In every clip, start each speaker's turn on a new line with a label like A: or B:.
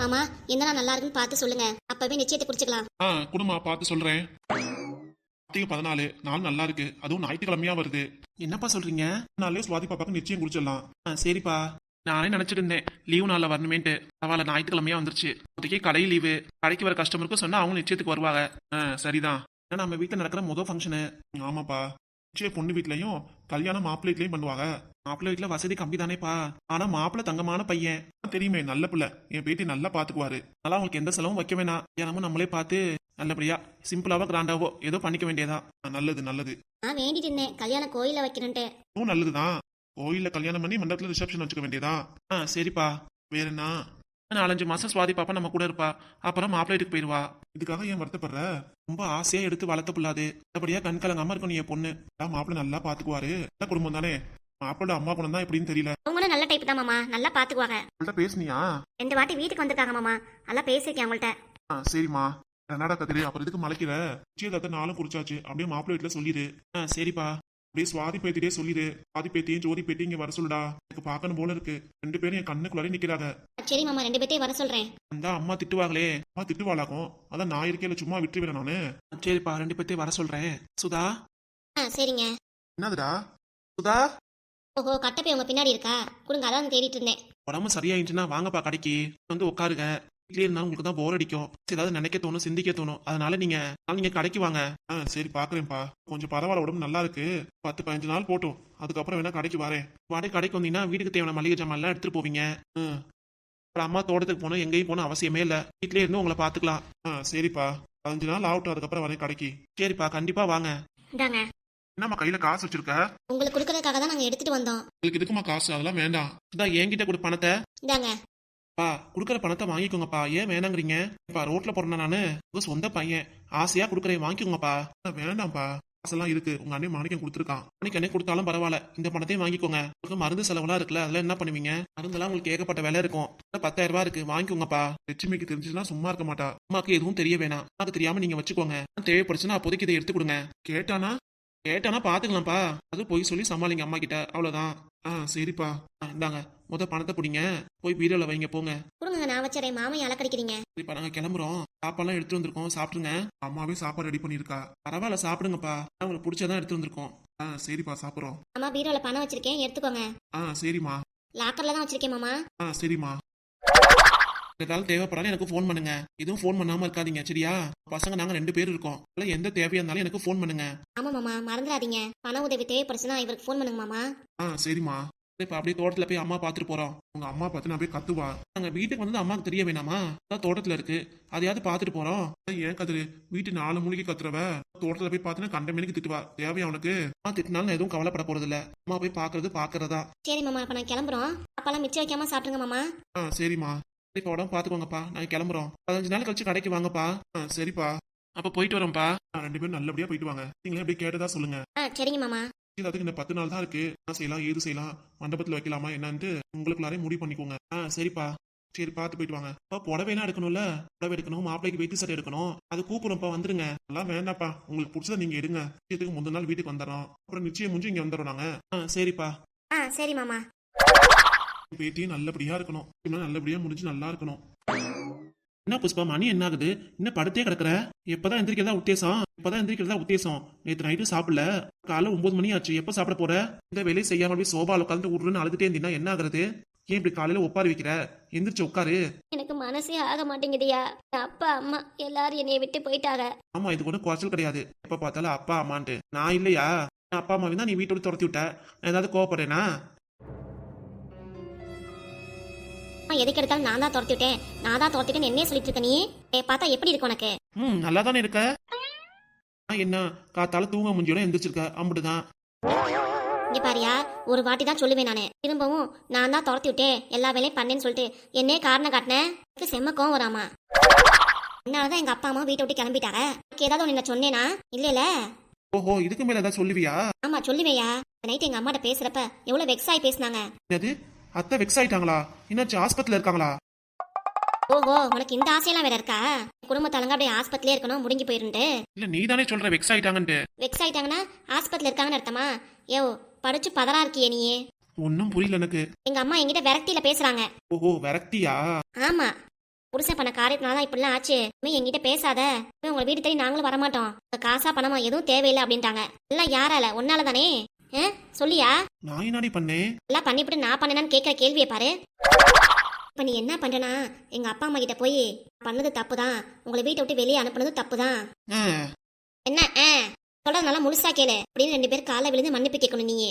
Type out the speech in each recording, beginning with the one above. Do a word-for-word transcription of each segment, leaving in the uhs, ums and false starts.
A: மாமா என்னடா நல்லா இருக்குன்னு பார்த்து சொல்லுங்க, அப்பவே நிச்சயத்தை குறிச்சுக்கலாம்.
B: ஆ குடுமா பார்த்து சொல்றேன். பதினாலு நாள் நல்லா இருக்கு, அதுவும் ஞாயிற்றுக்கிழமையா வருது. என்னப்பா சொல்றீங்க? நாளே சுவாதி பாப்பாக்கு நிச்சயம் குறிச்சிடலாம். ஆ சரிப்பா. நானே நினைச்சிட்டு இருந்தேன் லீவு நாளில் வரணுமேன்ட்டு. பரவாயில்ல, ஞாயிற்றுக்கிழமையா வந்துருச்சு. இப்போதைக்கு கடை லீவு. கடைக்கு வர கஸ்டமருக்கும் சொன்னா அவங்க நிச்சயத்துக்கு வருவாங்க. ஆ சரிதான். ஏன்னா நம்ம வீட்டில் நடக்கிற முதல் ஃபங்க்ஷனு. ஆமாப்பா. நிச்சயம் பொண்ணு வீட்லயும் கல்யாணம் மாப்பிள்ளை வீட்லயும் பண்ணுவாங்க. மாப்பிள்ளை வீட்டுல வசதி கம்மி தானேப்பா. ஆனா மாப்பிள்ளை தங்கமான பையன் தெரியுமே, நல்ல பிள்ளை. என் பேட்டி நல்லா பாத்துக்குவாரு. அதனால அவங்களுக்கு எந்த செலவும் வைக்க வேணாம். ஏன்னா நம்மளே பார்த்து நல்லபடியா சிம்பிளாவோ கிராண்டாவோ ஏதோ பண்ணிக்க வேண்டியதா. நல்லது நல்லது.
A: நான் வேண்டிட்டு இருந்தேன் கல்யாணம் கோயில வைக்கணும்ட்டு.
B: நல்லதுதான். கோயில்ல கல்யாணம் பண்ணி மண்டபத்துல ரிசப்ஷன் வச்சுக்க வேண்டியதா. ஆ சரிப்பா. வேற என்ன? நாலஞ்சு மாசம் சுவாதி பாப்பா நம்ம கூட இருப்பா. அப்புறம் மாப்பிள்ளை வீட்டுக்கு போயிருவா. இதுக்காக ஏன் வருத்தப்படுற? ரொம்ப ஆசையா எடுத்து வளர்த்த பிள்ளாது. நல்லபடியா கண் கலங்காம இருக்கும் நீ பொண்ணு. மாப்பிள்ளை நல்லா பாத்துக்குவாரு. நல்ல குடும்பம் தானே. மாப்பிள்ளை அம்மா குணம் தான் எப்படின்னு தெரியல.
A: அவங்களும் நல்ல டைப் தான் மாமா, நல்லா பாத்துக்குவாங்க.
B: உங்கள்ட்ட பேசுனியா?
A: ரெண்டு வாட்டி வீட்டுக்கு வந்திருக்காங்க மாமா, நல்லா பேசிருக்கேன் அவங்கள்ட்ட.
B: ஆ சரிம்மா. என்னடா கத்திரி, அப்புறம் இதுக்கு மலைக்கிற? நிச்சயதார்த்த நாளும் குறிச்சாச்சு. அப்படியே மாப்பிள்ளை வீட்டுல சொல்லிடு. ஆ சரிப்பா. அப்படியே சுவாதி பேத்திட்டே சொல்லிடு. சுவாதி பேத்தியும் ஜோதி பேத்தி இங்க வர சொல்லுடா. எனக்கு பார்க்கணும் போல இருக்கு. ரெண்டு பேரும் என் கண்ணுக்குள்ளாரே நிக்கிறாங்க.
A: சரி மாமா, ரெண்டு பேர்த்தையும் வர சொல்றேன்.
B: அந்த அம்மா திட்டுவாங்களே. அம்மா திட்டுவாளாக்கும். அதான் நான் இருக்கேன், சும்மா விட்டுருவேன் நானு. சரிப்பா, ரெண்டு பேர்த்தையும் வர சொல்றேன். சுதா.
A: ஆ சரிங்க.
B: என்னதுடா சுதா?
A: ஓஹோ, கட்டப்பை உங்க பின்னாடி இருக்கா? கொடுங்க, அதான் தேடிட்டு இருந்தேன்.
B: உடம்பு சரியாயிடுச்சுன்னா வாங்கப்பா கடைக்கு வந்து உட்காருங்க. வீட்லயே இருந்தாலும் உங்களுக்கு தான் போர் அடிக்கும். ஏதாவது நினைக்க தோணும், சிந்திக்க தோணும். அதனால நீங்க நீங்க கடைக்கு வாங்க. ஆ சரி பாக்குறேன்ப்பா. கொஞ்சம் பரவாயில்ல, உடம்பு நல்லா இருக்கு. பத்து பதினஞ்சு நாள் போட்டும், அதுக்கப்புறம் வேணா கடைக்கு வரேன். வாடகை கடைக்கு வந்தீங்கன்னா வீட்டுக்கு தேவையான மளிகை ஜாமான் எல்லாம் எடுத்துட்டு போவீங்க. அப்புறம் அம்மா தோட்டத்துக்கு போனோம், எங்கேயும் போகணும் அவசியமே இல்லை. வீட்லயே இருந்து உங்களை பாத்துக்கலாம். ஆ சரிப்பா. பதினஞ்சு நாள் ஆகட்டும், அதுக்கப்புறம் வரேன் கடைக்கு. சரிப்பா, கண்டிப்பா வாங்க.
A: இந்தாங்க.
B: என்னம்மா கையில காசு வச்சிருக்க?
A: உங்களுக்கு கொடுக்கறதுக்காக தான் நாங்க எடுத்துட்டு வந்தோம்.
B: உங்களுக்கு இருக்குமா காசு? அதெல்லாம் வேண்டாம். இதான் என்கிட்ட கொடு பணத்தை.
A: இந்தாங்க.
B: பா குடுக்கற பணத்தை வாங்கிக்கோங்கப்பா. ஏன் வேணாங்கிறீங்க? இப்ப ரோட்ல போறேன் நானு. உங்க சொந்த பையன், ஆசையா குடுக்கறேன், வாங்கிக்கோங்கப்பா. வேண்டாம்ப்பா, காசெல்லாம் இருக்கு. உங்க அண்ணன் மாணிக்கம் கொடுத்துருக்கான். மாணிக்கண்ணே கொடுத்தாலும் பரவாயில்ல, இந்த பணத்தையும் வாங்கிக்கோங்க. உங்களுக்கு மருந்து செலவுலாம் இருக்குல்ல, அதெல்லாம் என்ன பண்ணுவீங்க? மருந்தெல்லாம் உங்களுக்கு ஏகப்பட்ட விலை இருக்கும். பத்தாயிரம் ரூபாய் இருக்கு, வாங்கிக்கோங்கப்பா. லட்சுமிக்கு தெரிஞ்சுன்னா சும்மா இருக்க மாட்டா. அம்மாக்கு எதுவும் தெரிய வேணாம். அது தெரியாம நீங்க வச்சுக்கோங்க. தேவைப்படுச்சுன்னா அப்போதைக்கு இதை எடுத்து கொடுங்க. கேட்டானா கேட்டானா பாத்துக்கலாம்ப்பா. அது போய் சொல்லி சமாளிங்க அம்மா கிட்ட, அவ்வளவுதான். ஆ சரிப்பா. இந்தாங்க, முத பணத்தை பிடிங்க, போய் பீரோல வைங்க, போங்க.
A: கொடுங்க, நான் வச்சறேன். மாமையை அலக்கடிக்கிறீங்க.
B: சரிப்பா, நாங்க கிளம்புறோம். சாப்பாடுலாம் எடுத்து வந்திருக்கோம், சாப்பிடுங்க. அம்மாவே சாப்பாடு ரெடி பண்ணிருக்கா. பரவாயில்ல, சாப்பிடுங்கப்பா. உங்களுக்கு பிடிச்சதான் எடுத்து வந்திருக்கோம். ஆ சரிப்பா, சாப்பிடுறோம்.
A: அம்மா பீரோல பணம் வச்சிருக்கேன், எடுத்துக்கோங்க.
B: ஆ சரிம்மா.
A: லாக்கர்ல தான் வச்சிருக்கேன் மாமா.
B: ஆ சரிம்மா. ஏதாவது தேவைப்படாலும் எனக்கு ஃபோன் பண்ணுங்க. எதுவும் ஃபோன் பண்ணாம இருக்காதீங்க, சரியா? பசங்க நாங்க ரெண்டு பேரும் இருக்கோம். எந்த தேவையா இருந்தாலும் எனக்கு ஃபோன் பண்ணுங்க.
A: ஆமா மாமா, மறந்துடாதீங்க. பண உதவி தேவைப்படுச்சுன்னா இவருக்கு ஃபோன் பண்ணுங்க மாமா.
B: ஆ சரிம்மா. இப்ப அப்படியே தோட்டத்துல போய் அம்மா பாத்துட்டு போறோம். உங்க அம்மா பார்த்து நான் போய் கத்துவா. நாங்க வீட்டுக்கு வந்து அம்மாக்கு தெரிய வேணாமா? அதான் தோட்டத்துல இருக்கு, அதையாவது பாத்துட்டு போறோம். ஏன் கத்துரு? வீட்டு நாலு மூலிகை கத்துறவ தோட்டத்துல போய் பாத்துனா கண்ட மணிக்கு திட்டுவா. தேவையா உனக்கு? அம்மா திட்டினாலும் எதுவும் கவலைப்பட போறது இல்ல. அம்மா போய் பாக்குறது பாக்குறதா.
A: சரி மாமா, இப்ப நான் கிளம்புறோம். அப்பெல்லாம் மிச்சம் வைக்காம சாப்பிடுங்க மாமா.
B: ஆ சரிம்மா. இப்ப உடம்பு பாத்துக்கோங்கப்பா, நாங்க கிளம்புறோம். பதினஞ்சு நாள் கழிச்சு கடைக்கு வாங்கப்பா. ஆ சரிப்பா. அப்ப போயிட்டு வரோம்ப்பா. ரெண்டு பேரும் நல்லபடியா போயிட்டு வாங்க. நீங்களே எப்படி கேட்டதா சொல்லுங்க.
A: ஆ சரிங்க மாமா.
B: அதுக்கு இந்த பத்து நாள் தான் இருக்கு. என்ன செய்யலாம், ஏது செய்யலாம், மண்டபத்துல வைக்கலாமா என்னன்ட்டு உங்களுக்குள்ளாரே முடிவு பண்ணிக்கோங்க. ஆ சரிப்பா. சரி, பார்த்து போயிட்டு வாங்க. அப்பா புடவைலாம் எடுக்கணும்ல, புடவை எடுக்கணும், மாப்பிளைக்கு வெயிட்டு சட்டை எடுக்கணும். அது கூப்பிடும்ப்பா, வந்துருங்க. எல்லாம் வேண்டாப்பா, உங்களுக்கு பிடிச்சத நீங்க எடுங்க. நிச்சயத்துக்கு முந்தின நாள் வீட்டுக்கு வந்துடுறோம். அப்புறம் நிச்சயம் முடிஞ்சு இங்க வந்துடுறோம் நாங்க. ஆ சரிப்பா.
A: ஆ சரி மாமா.
B: பேட்டியும் நல்லபடியா இருக்கணும். நல்லபடியா முடிஞ்சு நல்லா இருக்கணும். என்ன புஷ்பா, மணி என்ன ஆகுது? இன்னும் படுத்தே கிடக்குற? எப்பதான் எந்திரிக்கிறதா உத்தேசம்? இப்பதான் எந்திரிக்கிறதா உத்தேசம்? நேற்று நைட்டு சாப்பிடல, காலைல ஒன்பது மணி ஆச்சு. எப்ப சாப்பிட போற? இந்த வேலையை செய்யாம அப்படியே சோபால உட்காந்து உருன்னு அழுதுட்டே இருந்தீங்கன்னா என்ன ஆகுறது? ஏன் இப்படி காலையில ஒப்பாரி வைக்கிற? எந்திரிச்சு உட்காரு.
A: எனக்கு மனசே ஆக மாட்டேங்குதியா. அப்பா அம்மா எல்லாரும் என்னைய விட்டு போயிட்டாங்க.
B: ஆமா, இது கூட குறைச்சல் கிடையாது. எப்ப பார்த்தாலும் அப்பா அம்மான்ட்டு. நான் இல்லையா? அப்பா அம்மாவை தான் நீ வீட்டோட துரத்தி விட்ட. நான் ஏதாவது கோவப்படுறேனா?
A: எதுக்கு எடுத்தாலும் நான் தான் துரத்தி விட்டேன், நான் தான் துரத்திட்டேன்னு என்னையே சொல்லிட்டு இருக்க நீ. பார்த்தா எப்படி இருக்கு உனக்கு?
B: ம் நல்லா தானே இருக்க. என்ன காத்தால தூங்க முடிஞ்சோட எந்திரிச்சிருக்க, அம்புட்டுதான்.
A: இங்க பாரியா, ஒரு வாட்டி தான் சொல்லுவேன் நானு. திரும்பவும் நான் தான் துரத்தி விட்டேன், எல்லா வேலையும் பண்ணேன்னு சொல்லிட்டு என்னே காரணம் காட்டினேன். செம்ம கோவம் வராமா. அதனாலதான் எங்க அப்பா அம்மா வீட்டை விட்டு கிளம்பிட்டாங்க. ஏதாவது ஒண்ணு சொன்னேனா? இல்ல.
B: ஓஹோ, இதுக்கு மேல ஏதாவது சொல்லுவியா?
A: ஆமா சொல்லுவேயா. நைட் எங்க அம்மாட்ட பேசுறப்ப எவ்வளவு வெக்ஸ் ஆகி பேசினாங்க.
B: என்னது, அத்தை வெக்ஸ் ஆயிட்டாங்களா? என்னாச்சு, ஆஸ்பத்திரியில இருக்காங்களா?
A: ஓஹோ, உனக்கு இந்த ஆசையெல்லாம் வேற இருக்கா? குடும்பத்தாலங்க அப்படியே ஆஸ்பத்திரியே இருக்கணும், முடிஞ்சு போயிருந்து.
B: இல்ல, நீ தானே சொல்ற வெக்ஸ் ஆயிட்டாங்கன்னு.
A: வெக்ஸ் ஆயிட்டாங்கன்னா ஆஸ்பத்திரியில இருக்காங்கன்னு அர்த்தமா? யோ, படிச்சு பதறா இருக்கியே நீயே.
B: ஒன்னும் புரியல எனக்கு.
A: எங்க அம்மா என்கிட்ட விரக்தியில பேசுறாங்க.
B: ஓஹோ, விரக்தியா?
A: ஆமா. புருஷன் பண்ண காரியத்தினால தான் இப்படிலாம் ஆச்சு. இனிமே என்கிட்ட பேசாத. இனிமே உங்க வீட்டு தேடி நாங்களும் வரமாட்டோம். உங்க காசா பணமா எதுவும் தேவையில்லை அப்படின்ட்டாங்க. எல்லாம் யாரால? உன்னால தானே? ஆ? சொல்லியா?
B: நான் என்னடி பண்ணேன்?
A: எல்லாம் பண்ணிவிட்டு நான் பண்ணேன்னு கேட்கிற கேள்வியை பாரு. இப்ப நீ என்ன பண்றனா, எங்க அப்பா அம்மா கிட்ட போய் பண்ணது தப்பு தான், உங்களை வீட்டை விட்டு வெளியே அனுப்புனது தப்பு தான்.
B: ஆ,
A: என்ன ஆ? சொல்றது நல்லா முழுசா கேளு அப்படின்னு ரெண்டு பேரும் காலைல விழுந்து மன்னிப்பு கேட்கணும் நீ.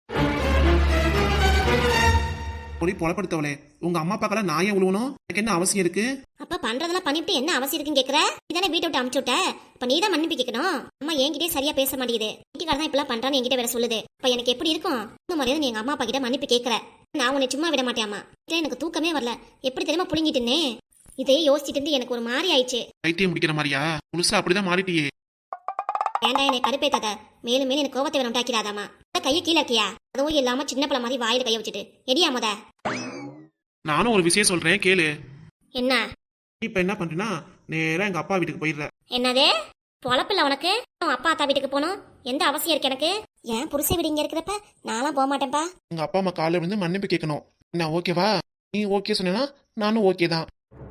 B: பொடி பொலப்படுத்தவளே, உங்க அம்மா அப்பாக்கெல்லாம் நான் ஏன் உழுவணும்? எனக்கு என்ன அவசியம் இருக்கு?
A: அப்ப பண்றதெல்லாம் பண்ணிவிட்டு என்ன அவசியம் இருக்குன்னு கேக்குற? இதானே வீட்டை விட்டு அமுச்சு விட்ட. இப்ப நீ தான் மன்னிப்பு கேட்கணும். அம்மா என்கிட்டே சரியா பேச மாட்டேங்குது, வீட்டுக்கார தான் இப்பெல்லாம் பண்றான்னு என்கிட்ட வேற சொல்லுது. இப்ப எனக்கு எப்படி இருக்கும்? இந்த மரியாதை நீ எங்க அம்மா அப்பா கிட்ட மன்னிப்பு கேட்கற. நான் உன்னை சும்மா விட மாட்டேன். அம்மா எனக்கு தூக்கமே வரல, எப்படி தெரியுமா புழுங்கிட்டு இருந்தேன். இதையே யோசிச்சுட்டு இருந்து எனக்கு ஒரு மாதிரி ஆயிடுச்சு.
B: பைத்தியம் முடிக்கிற மாதிரியா? முழுசா அப்படிதான் மாறிட்டியே.
A: ஏண்டா என்னை கடுப்பேத்தாத, மேலும் மேலும் எனக்கு கோவத்தை வேணும் உண்டாக்கிறாதாமா. கையை கீழே இருக்கியா? அதுவும் இல்லாம சின்ன பிள்ளை மாதிரி வாயில கையை வச்சுட்டு எடியா முத.
B: நானும் ஒரு விஷயம் சொல்றேன் கேளு.
A: என்ன?
B: இப்ப என்ன பண்றேன்னா நேரா எங்க அப்பா வீட்டுக்கு போயிடுற.
A: என்னதே பொழப்பில்ல உனக்கு? உன் அப்பா அத்தா வீட்டுக்கு போகணும் எந்த அவசியம் இருக்கு எனக்கு? ஏன் புருஷ வீடு இங்க இருக்கிறப்ப நான்லாம் போக மாட்டேன்ப்பா.
B: எங்க அப்பா அம்மா காலையில வந்து மன்னிப்பு கேட்கணும். என்ன ஓகேவா? நீ ஓகே சொன்னா நானும் ஓகே தான்.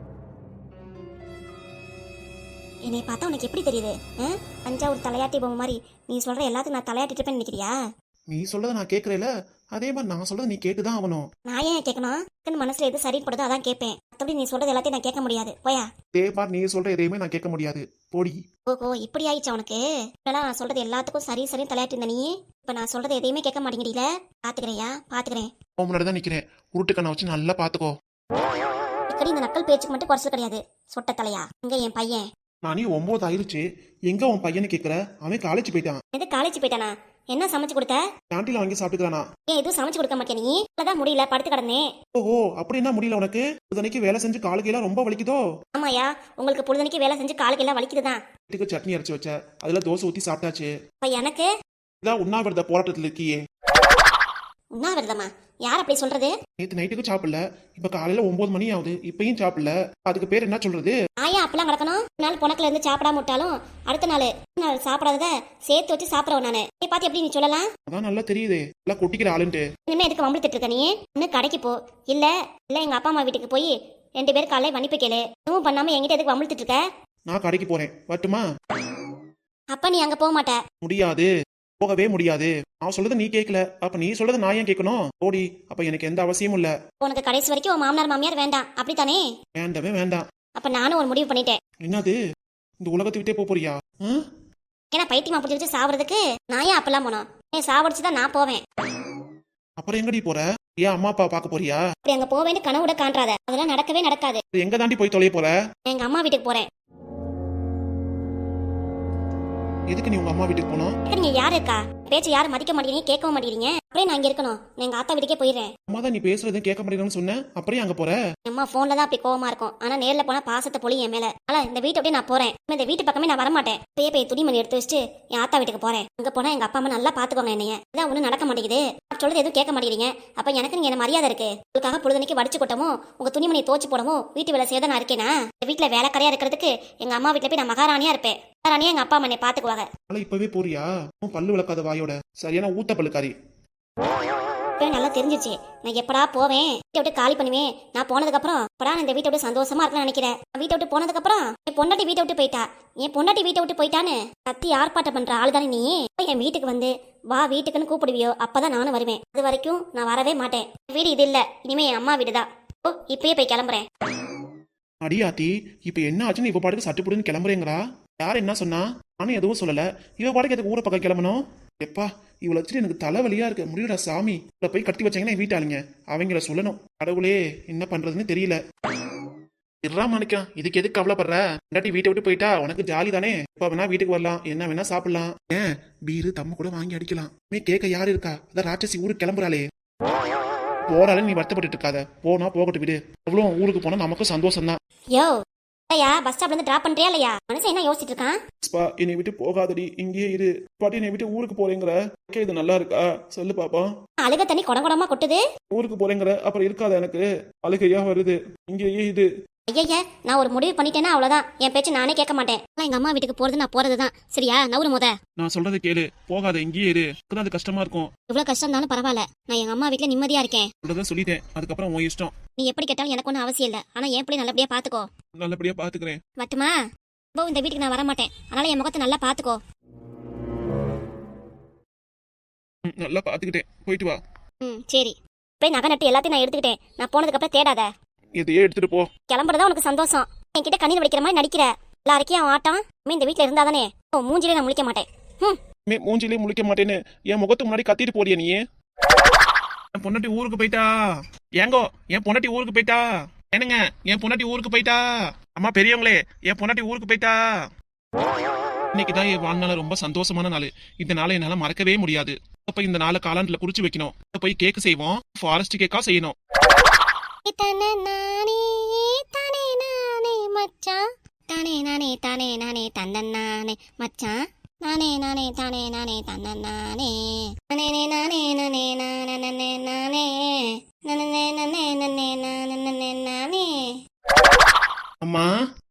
A: என்னை பார்த்தா உனக்கு எப்படி தெரியுது? தஞ்சாவூர் தலையாட்டி பொம்மை மாதிரி நீ சொல்ற எல்லாத்துக்கும் நான் தலையாட்டிட்டு இருப்பேன்னு நினைக்கிறியா?
B: நீ சொல்றத நான் கேட்கறேல, அதே மாதிரி நான் சொல்றத நீ கேட்டுதான் ஆகணும்.
A: நான் ஏன் கேட்கணும்? மனசுல எது சரிப்படுதோ அதான் கேட்பேன். மற்றபடி நீ சொல்றது எல்லாத்தையும் நான் கேட்க முடியாது. போயா.
B: அதே மாதிரி நீ சொல்ற எதையுமே நான் கேட்க முடியாது. போடி.
A: ஓஹோ இப்படி ஆயிடுச்சா உனக்கு? இப்பெல்லாம் நான் சொல்றது எல்லாத்துக்கும் சரி சரி தலையாட்டி இருந்த நீ இப்ப நான் சொல்றது எதையுமே கேட்க மாட்டேங்கிறீல. பாத்துக்கிறேயா? பாத்துக்கிறேன்.
B: உன் முன்னாடி தான் நிக்கிறேன். உருட்டு கண்ணை வச்சு நல்லா பாத்துக்கோ.
A: இக்கடி இந்த நக்கல் பேச்சுக்கு மட்டும் குறைச்சல் கிடையாது. சொட்ட தலையா இங்க என் பையன்.
B: நானே ஒன்பது ஆயிருச்சு. எங்க உன் பையனை கேக்குற? அவன் காலேஜ் போயிட்டான்.
A: எது காலேஜ் போயிட்டானா? என்ன சமைச்சு கொடுத்த?
B: கேண்டீன்ல வாங்கி சாப்பிட்டுக்கிறானா?
A: ஏன் எதுவும் சமைச்சு கொடுக்க மாட்டேன் நீ? அதான் முடியல படுத்து கிடந்தேன்.
B: ஓஹோ அப்படி என்ன முடியல உனக்கு? புதனைக்கு வேலை செஞ்சு காலுக்கு எல்லாம் ரொம்ப வலிக்குதோ?
A: ஆமாயா உங்களுக்கு பொழுதனைக்கு வேலை செஞ்சு காலுக்கு எல்லாம் வலிக்குதுதான்.
B: வீட்டுக்கு சட்னி அரைச்சு வச்ச, அதுல தோசை ஊத்தி சாப்பிட்டாச்சு.
A: இப்ப எனக்கு
B: இதான் உண்ணாவிரத போராட்டத்துல இருக்கியே.
A: உண்ணாவிரதமா? யார் அப்படி சொல்றது?
B: நேத்து நைட்டுக்கு சாப்பிடல, இப்ப காலையில ஒன்பது மணி ஆகுது, இப்பயும் சாப்பிடல. அதுக்கு பேர் என்ன சொல்றது?
A: ஆயா அப்பெல்லாம் கிடக்கணும். நாள் புணக்குல இருந்து சாப்பிடாம விட்டாலும் அடுத்த நாள் நாள் சாப்பிடாதத சேர்த்து வச்சு சாப்பிடறவன் நானு. நீ பாத்து எப்படி நீ சொல்லலாம்?
B: அதான் நல்லா தெரியுது எல்லாம் கொட்டிக்கிற ஆளுன்ட்டு.
A: இனிமே எதுக்கு வம்பிழுத்துட்டு இருக்க நீ? இன்னும் கடைக்கு போ, இல்ல இல்ல எங்க அப்பா அம்மா வீட்டுக்கு போய் ரெண்டு பேரும் காலையில மன்னிப்பு கேளு. எதுவும் பண்ணாம என்கிட்ட எதுக்கு வம்பிழுத்துட்டு இருக்க?
B: நான் கடைக்கு போறேன், வரட்டுமா?
A: அப்ப நீ அங்க போக மாட்ட.
B: முடியாது, போகவே முடியாது. நான் சொல்றத நீ கேட்கல, அப்ப நீ சொல்றத நான் ஏன் கேட்கணும்? ஓடி. அப்ப எனக்கு எந்த அவசியமும் இல்ல. உனக்கு
A: கடைசி வரைக்கும் உன் மாமனார் மாமியார் வேண்டாம் அப்படித்தானே?
B: வேண்டவே வேண்டாம்.
A: அப்ப நானும் ஒரு முடிவு பண்ணிட்டேன்.
B: என்னது? இந்த உலகத்தை விட்டே போக போறியா?
A: ஏன்னா பைத்தியமா பிடிச்சி வச்சு சாப்பிடுறதுக்கு நான் ஏன் அப்பெல்லாம் போனோம்? ஏன் சாவடிச்சுதான் நான் போவேன்.
B: அப்புறம் எங்கடி போற? ஏன் அம்மா அப்பா பாக்க போறியா?
A: அப்படி அங்க போவேன்னு கனவுட காண்றாத, அதெல்லாம் நடக்கவே நடக்காது.
B: எங்க தாண்டி போய் தொலைய போற?
A: எங்க அம்மா வீட்டுக்கு போறேன்.
B: எதுக்கு நீ உங்க அம்மா வீட்டுக்கு போனோம்?
A: நீங்க யாரு இருக்கா? பேச்சு யாரும் மதிக்க மாட்டேங்கிறீங்க, கேட்கவும் மாட்டேங்கிறீங்க. அப்படியே நான் இங்க இருக்கணும். நான் எங்க ஆத்தா வீட்டுக்கே போயிடுறேன்.
B: அம்மா தான் நீ பேசுறதும் கேட்க மாட்டேங்கன்னு சொன்னேன், அப்படியே அங்க போற?
A: அம்மா போன்ல தான் அப்படி கோவமா இருக்கும், ஆனா நேர்ல போனா பாசத்தை பொழி என் மேல. ஆனா இந்த வீட்டை அப்படியே நான் போறேன். இந்த வீட்டு பக்கமே நான் வரமாட்டேன். இப்பயே போய் துணிமணி எடுத்து வச்சுட்டு என் ஆத்தா வீட்டுக்கு போறேன். அங்க போனா எங்க அப்பா அம்மா நல்லா பாத்துக்கோங்க என்னைய. இதான் ஒண்ணும் நடக்க மாட்டேங்குது. சொல்றது எதுவும் கேட்க மாட்டேங்கிறீங்க. அப்ப எனக்கு நீங்க என்ன மரியாதை இருக்கு? உங்களுக்காக பொழுதுனைக்கு வடிச்சு கொட்டவும் உங்க துணிமணி தோச்சு போடவும் வீட்டு வேலை செய்ய நான் இருக்கேனா? இந்த வீட்டுல வேலைக்காரியா இருக்கிறதுக்கு எங்க அம்மா வீட்டுல போய் நான் மகாராணியா இருப்பேன். மகாராணியா எங்க அப்பா அம்மா என்னை பாத்துக்குவாங்க.
B: இப்பவே போறியா? பல்லு விளக்காத வாயோட சரியான ஊத்த பல்லுக்காரி.
A: நல்லா தெரிஞ்சிச்சு நான் எப்படா போவேன், வீட்டை விட்டு காலி பண்ணுவேன். நான் போனதுக்கு அப்புறம் எப்படா இந்த வீட்டை விட்டு சந்தோஷமா இருக்கணும்னு நினைக்கிறேன். வீட்டை விட்டு போனதுக்கு அப்புறம் என் பொண்டாட்டி வீட்டை விட்டு போயிட்டா, என் பொண்டாட்டி வீட்டை விட்டு போயிட்டான்னு கத்தி ஆர்ப்பாட்டம் பண்ற ஆள் தானே நீ? என் வீட்டுக்கு வந்து வா வீட்டுக்குன்னு கூப்பிடுவியோ அப்பதான் நானும் வருவேன். அது வரைக்கும் நான் வரவே மாட்டேன். வீடு இது இல்ல, இனிமே என் அம்மா வீடுதான். ஓ இப்பயே போய் கிளம்புறேன்.
B: அடியாத்தி இப்ப என்ன ஆச்சுன்னு இப்ப பாட்டுக்கு சட்டுப்புடுன்னு கிளம்புறேங்கிறா. யார் என்ன சொன்னா? நானும் எதுவும் சொல்லல. இவ பாட்டுக்கு எதுக்கு ஊரை பக்கம் கிளம்பணும்? எப்பா இவளை வச்சுட்டு எனக்கு தலைவலியா இருக்கு. முடியல சாமி. இவளை போய் கட்டி வச்சாங்கன்னா என் வீட்டாளுங்க அவங்கள சொல்லணும். கடவுளே என்ன பண்றதுன்னு தெரியல. இருறா மாணிக்கம், இதுக்கு எதுக்கு கவலைப்படுற? இல்லாட்டி வீட்டை விட்டு போயிட்டா உனக்கு ஜாலி தானே. இப்ப வேணா வீட்டுக்கு வரலாம், என்ன வேணா சாப்பிடலாம். ஏன் பீரு தம்ம கூட வாங்கி அடிக்கலாம். மே கேட்க யாரு இருக்கா? அதான் ராட்சசி ஊருக்கு கிளம்புறாளே. போறாலும் நீ வருத்தப்பட்டு இருக்காத, போனா போகட்டு விடு. அவ்வளவு ஊருக்கு போனா நமக்கு சந்தோஷம் தான்.
A: யோ ஐயா பஸ் ஸ்டாப்ல இருந்து டிராப் பண்றியா இல்லையா? மனுஷன் என்ன யோசிச்சுட்டு இருக்கான்?
B: ஸ்பா என்னை விட்டு போகாதடி, இங்கேயே இரு. பாட்டி என்னை விட்டு ஊருக்கு போறேங்கிற, இது நல்லா இருக்கா சொல்லு பாப்பா.
A: அழுக தண்ணி கொடங்கொடமா கொட்டுது.
B: ஊருக்கு போறேங்கிற அப்புறம் இருக்காத, எனக்கு அழுகையா வருது. இங்கேயே இது
A: ஐயய்ய நான் ஒரு முடிவு பண்ணிட்டேன்னா அவ்வளவுதான், என் பேச்சு நானே கேட்க மாட்டேன். ஆனா எங்க அம்மா வீட்டுக்கு போறது நான் போறதுதான். சரியா? நவுறு முத.
B: நான் சொல்றதை கேளு, போகாத, இங்கேயே இரு. அப்பதான் அது கஷ்டமா இருக்கும்.
A: இவ்வளவு கஷ்டம் இருந்தாலும் பரவாயில்ல, நான் எங்க அம்மா வீட்டுல நிம்மதியா இருக்கேன்.
B: சொல்றதை சொல்லிட்டேன், அதுக்கப்புறம் உன் இஷ்டம்.
A: நீ எப்படி கேட்டாலும் எனக்கு ஒன்றும் அவசியம் இல்ல. ஆனா என் பிள்ளை நல்லபடியா பாத்துக்கோ.
B: நல்லபடியா பாத்துக்கிறேன்.
A: மட்டுமா இப்போ இந்த வீட்டுக்கு நான் வர மாட்டேன். அதனால என் முகத்தை நல்லா பாத்துக்கோ.
B: ம், நல்லா பாத்துக்கிட்டேன். போயிட்டு வா.
A: ம் சரி. போய் நகை நட்டு எல்லாத்தையும் நான் எடுத்துக்கிட்டேன். நான் போனதுக்கு அப்புறம் தேடாத.
B: எதையே எடுத்துட்டு போ.
A: கிளம்புறதா உனக்கு சந்தோஷம். என்கிட்ட கண்ணீர் வடிக்கிற மாதிரி நடிக்கிற. எல்லாருக்கும் அவன் ஆட்டம் இனிமே இந்த வீட்டுல இருந்தாதானே. ஓ மூஞ்சிலே நான் முழிக்க மாட்டேன். ம்
B: மே மூஞ்சிலே முழிக்க மாட்டேன்னு என் முகத்துக்கு முன்னாடி கத்திட்டு போறியா நீ? என் பொண்டாட்டி ஊருக்கு போயிட்டா. ஏங்கோ என் பொண்டாட்டி ஊருக்கு போயிட்டா. என்னங்க என் பொண்டாட்டி ஊருக்கு போயிட்டா. அம்மா பெரியவங்களே, என் பொண்டாட்டி ஊருக்கு போயிட்டா. இன்னைக்கு தான் என் வாழ்நாள ரொம்ப சந்தோஷமான நாள். இந்த நாளை என்னால மறக்கவே முடியாது. அப்ப இந்த நாளை காலாண்டுல குறிச்சு வைக்கணும். போய் கேக்கு செய்வோம். ஃபாரஸ்ட் கேக்கா செய்யணும்.
A: தானே நானே தானே நானே மச்சான், தானே நானே தானே நானே தந்தன் நானே மச்சான், நானே நானே தானே நானே தந்தன் நானே, நானே நானே நானே நானே நானே நானே நானே நானே நானே நானே நானே.
B: அம்மா